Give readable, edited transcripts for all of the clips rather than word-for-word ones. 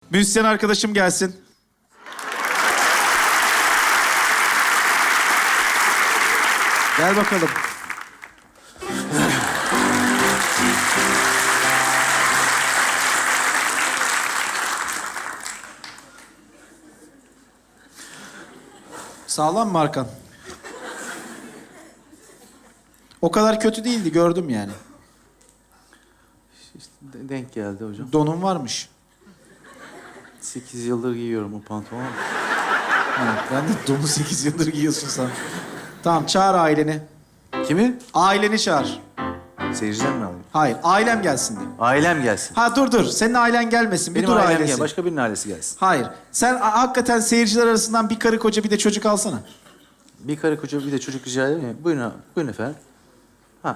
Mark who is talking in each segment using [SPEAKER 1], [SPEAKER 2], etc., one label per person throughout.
[SPEAKER 1] Müzisyen arkadaşım gelsin. Gel bakalım. Sağlam mı Arkan? O kadar kötü değildi, gördüm yani.
[SPEAKER 2] İşte denk geldi hocam.
[SPEAKER 1] Donun varmış.
[SPEAKER 2] 8 yıldır giyiyorum o pantolonu.
[SPEAKER 1] Evet, ben de donu 8 yıldır giyiyorsun sen. Tamam, çağır aileni.
[SPEAKER 2] Kimi?
[SPEAKER 1] Aileni çağır.
[SPEAKER 2] Seyirciden mi alayım?
[SPEAKER 1] Hayır, ailem gelsin de.
[SPEAKER 2] Ailem gelsin.
[SPEAKER 1] Ha dur. Senin ailen gelmesin. Bir
[SPEAKER 2] Benim
[SPEAKER 1] dur
[SPEAKER 2] ailem
[SPEAKER 1] ailesi.
[SPEAKER 2] gel. Başka birinin ailesi gelsin.
[SPEAKER 1] Hayır. Sen hakikaten seyirciler arasından bir karı koca bir de çocuk alsana.
[SPEAKER 2] Bir karı koca bir de çocuk rica edeyim mi? Buyurun, buyurun efendim. Ha.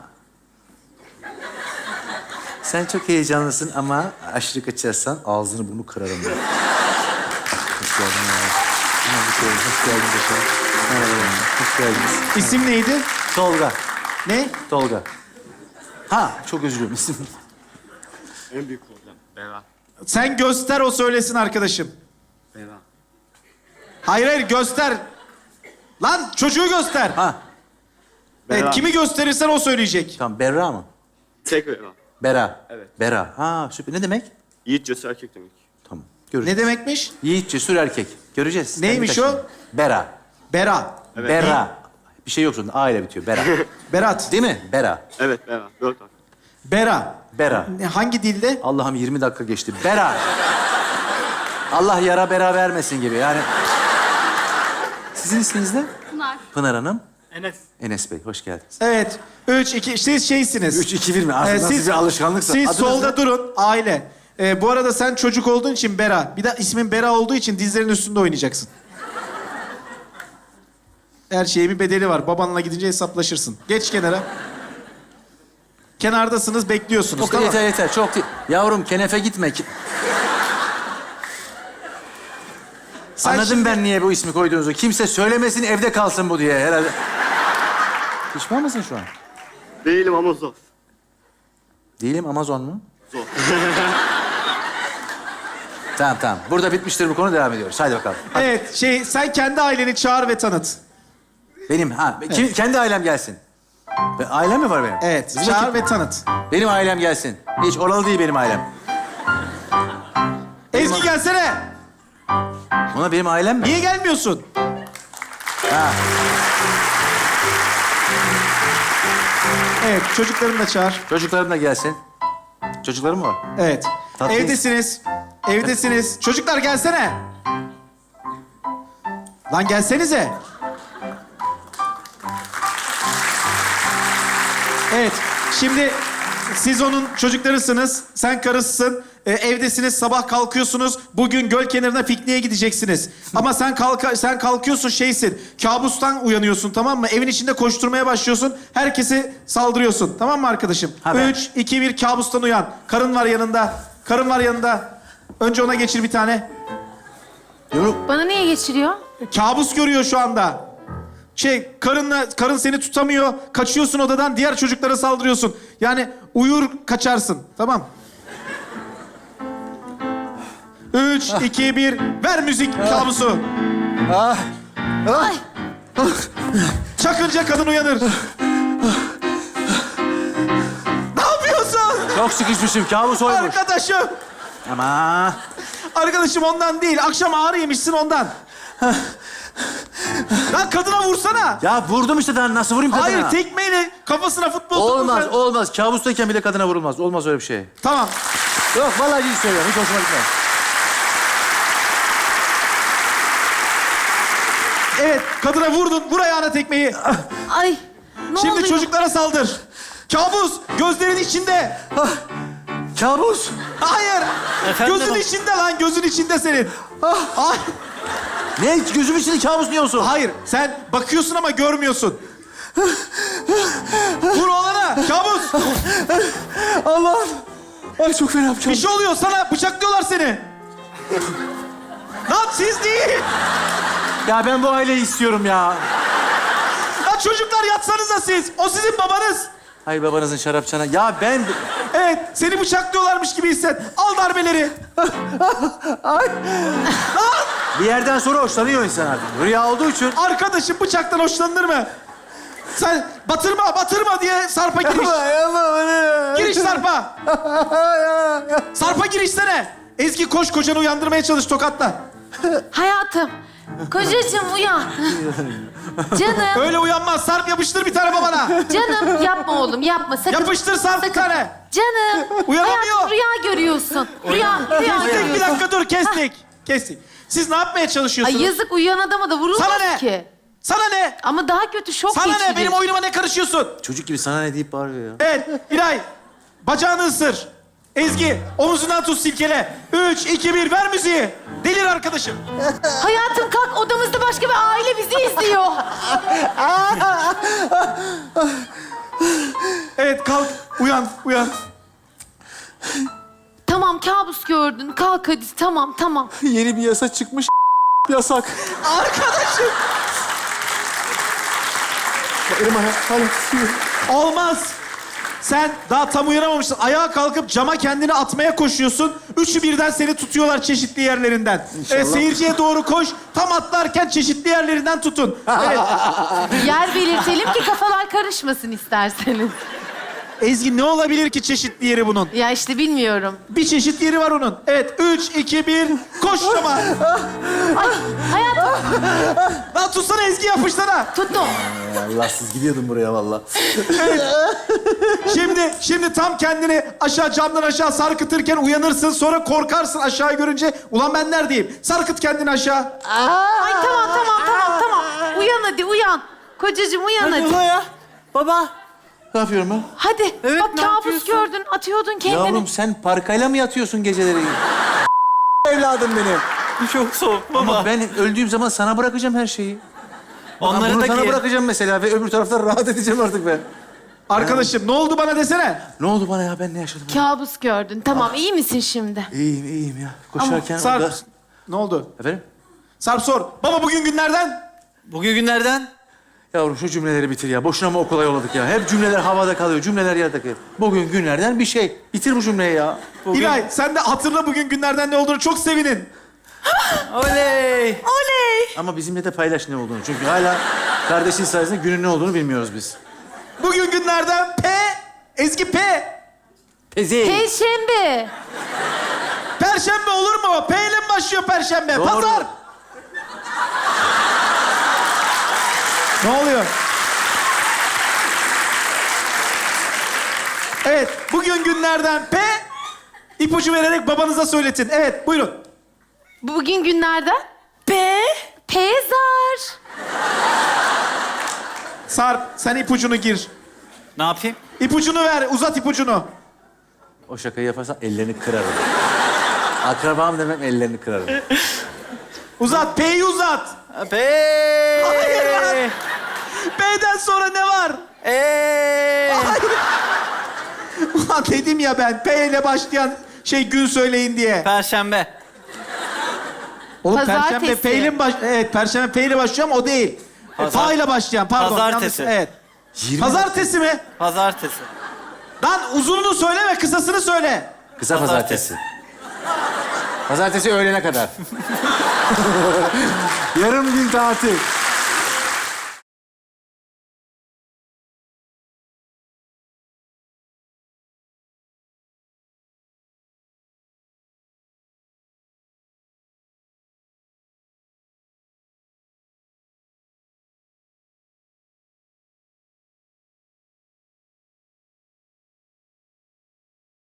[SPEAKER 2] Sen çok heyecanlısın ama aşırı kaçarsan ağzını bunu kırarım ben. Hoş geldin ya. Hoş geldiniz efendim. Merhaba. Hoş geldiniz.
[SPEAKER 1] İsim neydi?
[SPEAKER 2] Tolga.
[SPEAKER 1] Ne?
[SPEAKER 2] Tolga. Ha, çok özür dilerim isim.
[SPEAKER 3] En büyük problem. Bera.
[SPEAKER 1] Sen göster, o söylesin arkadaşım.
[SPEAKER 3] Bera.
[SPEAKER 1] Hayır göster. Lan çocuğu göster.
[SPEAKER 2] Ha,
[SPEAKER 1] Evet,
[SPEAKER 3] Bera.
[SPEAKER 1] kimi gösterirsen o söyleyecek.
[SPEAKER 2] tamam. Berra mı?
[SPEAKER 3] Tek Bera.
[SPEAKER 2] Bera.
[SPEAKER 3] Evet.
[SPEAKER 2] Bera. Ha, süper. Ne demek?
[SPEAKER 3] Yiğit cesur erkek demek.
[SPEAKER 2] Tamam.
[SPEAKER 1] Ne
[SPEAKER 2] Göreceğiz.
[SPEAKER 1] demekmiş?
[SPEAKER 2] Yiğit, cesur erkek. Göreceğiz.
[SPEAKER 1] Neymiş
[SPEAKER 2] Kendi kaçın.
[SPEAKER 1] o?
[SPEAKER 2] Bera.
[SPEAKER 1] Bera.
[SPEAKER 3] Evet.
[SPEAKER 2] Bera. Bir şey yok sonunda. A ile bitiyor. Bera.
[SPEAKER 1] Berat.
[SPEAKER 2] Değil mi? Bera.
[SPEAKER 3] Evet Bera. 4 harf.
[SPEAKER 1] Bera.
[SPEAKER 2] Bera.
[SPEAKER 1] Hangi dilde?
[SPEAKER 2] Allah'ım 20 dakika geçti. Bera. Allah yara bera vermesin gibi. Yani... Sizin isminiz ne?
[SPEAKER 4] Pınar.
[SPEAKER 2] Pınar Hanım.
[SPEAKER 3] Enes.
[SPEAKER 2] Enes Bey, hoş geldiniz.
[SPEAKER 1] Evet. 3, 2, siz şeysiniz.
[SPEAKER 2] 3, 2, 1 mi? Aslında nasıl
[SPEAKER 1] siz,
[SPEAKER 2] bir alışkanlıksa.
[SPEAKER 1] Siz
[SPEAKER 2] Adınız
[SPEAKER 1] solda
[SPEAKER 2] ne?
[SPEAKER 1] durun, aile. Bu arada sen çocuk olduğun için Bera. Bir de ismin Bera olduğu için dizlerin üstünde oynayacaksın. Her şeyin bir bedeli var. Babanla gidince hesaplaşırsın. Geç kenara. Kenardasınız, bekliyorsunuz.
[SPEAKER 2] Çok
[SPEAKER 1] Tamam.
[SPEAKER 2] yeter. Çok değil. Yavrum kenefe gitme.
[SPEAKER 1] Sen
[SPEAKER 2] Anladım
[SPEAKER 1] şimdi-
[SPEAKER 2] ben niye bu ismi koyduğunuzu. Kimse söylemesin, evde kalsın bu diye herhalde. Pişman mısın şu an?
[SPEAKER 3] Değilim ama zor.
[SPEAKER 2] Değilim, Amazon mu?
[SPEAKER 3] Zor.
[SPEAKER 2] Tamam. Burada bitmiştir bu konu, devam ediyoruz. Hadi bakalım.
[SPEAKER 1] Evet, sen kendi aileni çağır ve tanıt.
[SPEAKER 2] Benim, kendi ailem gelsin. Ailem mi var benim?
[SPEAKER 1] Evet,
[SPEAKER 2] Bizim
[SPEAKER 1] çağır
[SPEAKER 2] ekip-
[SPEAKER 1] ve tanıt.
[SPEAKER 2] Benim ailem gelsin. Hiç oralı değil benim ailem.
[SPEAKER 1] Ezgi gelsene.
[SPEAKER 2] Ona benim ailem mi?
[SPEAKER 1] Niye gelmiyorsun?
[SPEAKER 2] Ha.
[SPEAKER 1] Evet, çocuklarını da çağır.
[SPEAKER 2] Çocuklarım da gelsin. Çocuklarım mı var?
[SPEAKER 1] Evet.
[SPEAKER 2] Tatlıyız.
[SPEAKER 1] Evdesiniz. Evdesiniz. Çocuklar gelsene. Lan gelsenize. Evet. Şimdi siz onun çocuklarısınız. Sen karısısın. Evdesiniz. Sabah kalkıyorsunuz. Bugün göl kenarına pikniğe gideceksiniz. Ama sen kalkıyorsun şeysin. Kabustan uyanıyorsun, tamam mı? Evin içinde koşturmaya başlıyorsun. Herkese saldırıyorsun. Tamam mı arkadaşım?
[SPEAKER 2] Ha, ben-
[SPEAKER 1] 3, 2, 1 kabustan uyan. Karın var yanında. Karın var yanında. Önce ona geçir bir tane.
[SPEAKER 2] Yumruk.
[SPEAKER 4] Bana niye geçiriyor?
[SPEAKER 1] Kabus görüyor şu anda. Karın seni tutamıyor. Kaçıyorsun odadan, diğer çocuklara saldırıyorsun. Yani uyur kaçarsın. Tamam. 3, 2, 1. Ver müzik kabusu.
[SPEAKER 2] Ah.
[SPEAKER 4] Ay.
[SPEAKER 1] Çakınca kadın uyanır. Ne yapıyorsun?
[SPEAKER 2] Çok sıkışmışım. Kabus oymuş.
[SPEAKER 1] Arkadaşım.
[SPEAKER 2] Ama.
[SPEAKER 1] Arkadaşım ondan değil. Akşam ağrı yemişsin ondan. Lan kadına vursana.
[SPEAKER 2] Ya vurdum işte daha nasıl vurayım kadına?
[SPEAKER 1] Hayır, tekmeyle kafasına futbol
[SPEAKER 2] Olmaz,
[SPEAKER 1] topu-
[SPEAKER 2] olmaz. Kabustayken bile kadına vurulmaz. Olmaz öyle bir şey.
[SPEAKER 1] Tamam.
[SPEAKER 2] Yok, vallahi ciddi söylüyorum. Hiç hoşuma gitmez.
[SPEAKER 1] Evet, kadına vurdun. Vur ayağına tekmeyi.
[SPEAKER 4] Ay. Ne
[SPEAKER 1] Şimdi
[SPEAKER 4] oluyor?
[SPEAKER 1] çocuklara saldır. Kabus, gözlerin içinde.
[SPEAKER 2] Ah, kabus.
[SPEAKER 1] Hayır.
[SPEAKER 2] Efendim?
[SPEAKER 1] Gözün içinde lan, gözün içinde senin. Ay.
[SPEAKER 2] Ne? Gözüm içinde kabus niye olsun?
[SPEAKER 1] Hayır, sen bakıyorsun ama görmüyorsun. Vur oğlana, kabus.
[SPEAKER 2] Allah'ım. Ay çok fena yapacağım.
[SPEAKER 1] Bir şey oluyor sana, bıçaklıyorlar seni. Lan siz değil.
[SPEAKER 2] Ya ben bu aileyi istiyorum ya.
[SPEAKER 1] Lan çocuklar yatsanıza siz. O sizin babanız.
[SPEAKER 2] Hayır babanızın şarapçana. Ya ben
[SPEAKER 1] Evet, seni bıçaklıyorlarmış gibi hisset. Al darbeleri.
[SPEAKER 2] Bir yerden sonra hoşlanıyor insan artık. Rüya olduğu için.
[SPEAKER 1] Arkadaşım bıçaktan hoşlanır mı? Sen batırma diye Sarp'a giriş. Giriş Sarp'a. Sarp'a girişsene. Ezgi koş, kocanı uyandırmaya çalış tokatla.
[SPEAKER 4] Hayatım. Kocacığım uyan. Canım.
[SPEAKER 1] Öyle uyanmaz. Sarp yapıştır bir tane babana.
[SPEAKER 4] Canım yapma oğlum yapma. Sakın.
[SPEAKER 1] Yapıştır Sarp bir tane.
[SPEAKER 4] Canım.
[SPEAKER 1] Uyanamıyor.
[SPEAKER 4] Hayatım rüya görüyorsun. Rüya
[SPEAKER 1] Kestik, bir
[SPEAKER 4] görüyorsun.
[SPEAKER 1] dakika dur, kestik. Siz ne yapmaya çalışıyorsunuz?
[SPEAKER 4] Ay yazık uyuyan adama da vurulmaz
[SPEAKER 1] Sana ne?
[SPEAKER 4] ki.
[SPEAKER 1] Sana ne?
[SPEAKER 4] Ama daha kötü şok
[SPEAKER 1] Sana
[SPEAKER 4] geçirir.
[SPEAKER 1] ne? Benim oyunuma ne karışıyorsun?
[SPEAKER 2] Çocuk gibi sana ne deyip bağırıyor ya.
[SPEAKER 1] Evet, İlay. Bacağını ısır. Ezgi, omuzundan tut silkele. 3, 2, 1, ver müziği. Delir arkadaşım.
[SPEAKER 4] Hayatım kalk odamızda başka bir aile bizi izliyor.
[SPEAKER 1] Evet, kalk. Uyan.
[SPEAKER 4] Tamam kabus gördün. Kalk hadi tamam.
[SPEAKER 2] Yeni bir yasa çıkmış. Yasak.
[SPEAKER 1] Arkadaşım.
[SPEAKER 2] Elim ayağım hala tutuyor.
[SPEAKER 1] Olmaz. Sen daha tam uyanamamışsın. Ayağa kalkıp cama kendini atmaya koşuyorsun. Üçü birden seni tutuyorlar çeşitli yerlerinden. Seyirciye doğru koş. Tam atlarken çeşitli yerlerinden tutun. Evet.
[SPEAKER 4] Yer belirtelim ki kafalar karışmasın isterseniz.
[SPEAKER 1] Ezgi, ne olabilir ki çeşitli yeri bunun?
[SPEAKER 4] Ya işte bilmiyorum.
[SPEAKER 1] Bir çeşit yeri var onun. Evet, 3, 2, 1, koş cama.
[SPEAKER 4] Ay hayatım
[SPEAKER 1] Lan tutsana Ezgi, yapışsana.
[SPEAKER 4] tuttum.
[SPEAKER 2] Allahsız gidiyordum buraya vallahi.
[SPEAKER 1] Şimdi tam kendini camdan aşağı sarkıtırken uyanırsın. Sonra korkarsın aşağı görünce. Ulan ben neredeyim? Sarkıt kendini aşağı.
[SPEAKER 4] Ay tamam. Uyan hadi uyan. Kocacığım uyan hadi.
[SPEAKER 5] ya? Baba.
[SPEAKER 2] Ne yapıyorum ben?
[SPEAKER 4] Hadi.
[SPEAKER 5] Evet,
[SPEAKER 4] Bak
[SPEAKER 5] ne
[SPEAKER 4] kabus
[SPEAKER 5] yapıyorsun?
[SPEAKER 4] gördün. Atıyordun kendini.
[SPEAKER 2] Yavrum sen parkayla mı yatıyorsun geceleri? Evladım benim.
[SPEAKER 5] Çok soğuk baba.
[SPEAKER 2] Ama ben öldüğüm zaman sana bırakacağım her şeyi.
[SPEAKER 5] Onları
[SPEAKER 2] Bunu
[SPEAKER 5] da
[SPEAKER 2] sana
[SPEAKER 5] giy.
[SPEAKER 2] bırakacağım mesela ve öbür tarafta rahat edeceğim artık ben.
[SPEAKER 1] Arkadaşım ne oldu bana desene.
[SPEAKER 2] Ne oldu bana ya? Ben ne yaşadım?
[SPEAKER 4] Kabus gördün. Tamam iyi misin şimdi?
[SPEAKER 2] İyiyim ya. Koşarken
[SPEAKER 1] Sarp,
[SPEAKER 2] orada...
[SPEAKER 1] ne oldu?
[SPEAKER 2] Efendim?
[SPEAKER 1] Sarp sor. Baba bugün günlerden?
[SPEAKER 5] Bugün günlerden
[SPEAKER 2] Yavrum şu cümleleri bitir ya. Boşuna mı okula yolladık ya? Hep cümleler havada kalıyor. Cümleler yerde kalıyor. Bugün günlerden bir şey. Bitir bu cümleyi ya.
[SPEAKER 5] bugün...
[SPEAKER 1] İlay, sen de hatırla bugün günlerden ne olduğunu, çok sevinin.
[SPEAKER 5] Oley.
[SPEAKER 2] Ama bizimle de paylaş ne olduğunu. Çünkü hala kardeşin sayesinde günün ne olduğunu bilmiyoruz biz.
[SPEAKER 1] Bugün günlerden Ezgi
[SPEAKER 2] Pezi.
[SPEAKER 4] Perşembe.
[SPEAKER 1] Perşembe olur mu? P ile mi başlıyor Perşembe?
[SPEAKER 2] Doğru.
[SPEAKER 1] Pazar. Ne oluyor? Evet, bugün günlerden ipucu vererek babanıza söyletin. Evet, buyurun.
[SPEAKER 4] Bugün günlerden? Pezar.
[SPEAKER 1] Sarp, sen ipucunu gir.
[SPEAKER 5] Ne yapayım?
[SPEAKER 1] İpucunu ver, uzat ipucunu.
[SPEAKER 2] O şakayı yaparsan ellerini kırarım. Akrabam demem ellerini kırarım.
[SPEAKER 1] Uzat, P'yi uzat. Hayır lan. P'den sonra ne var? Ulan dedim ya ben, P ile başlayan gün söyleyin diye.
[SPEAKER 5] Perşembe.
[SPEAKER 1] Oğlum
[SPEAKER 4] Pazartesi.
[SPEAKER 1] Perşembe P ile mi Evet, Perşembe P ile başlıyor ama o değil.
[SPEAKER 5] Pazar-
[SPEAKER 1] P ile başlayan, pardon.
[SPEAKER 5] Pazartesi.
[SPEAKER 1] yanlış- Evet.
[SPEAKER 2] 20
[SPEAKER 1] Pazartesi mi?
[SPEAKER 5] Pazartesi.
[SPEAKER 1] Lan uzununu söyleme, kısasını söyle.
[SPEAKER 2] Kısa pazartesi. Pazartesi öğlene kadar. Yarım gün tatil.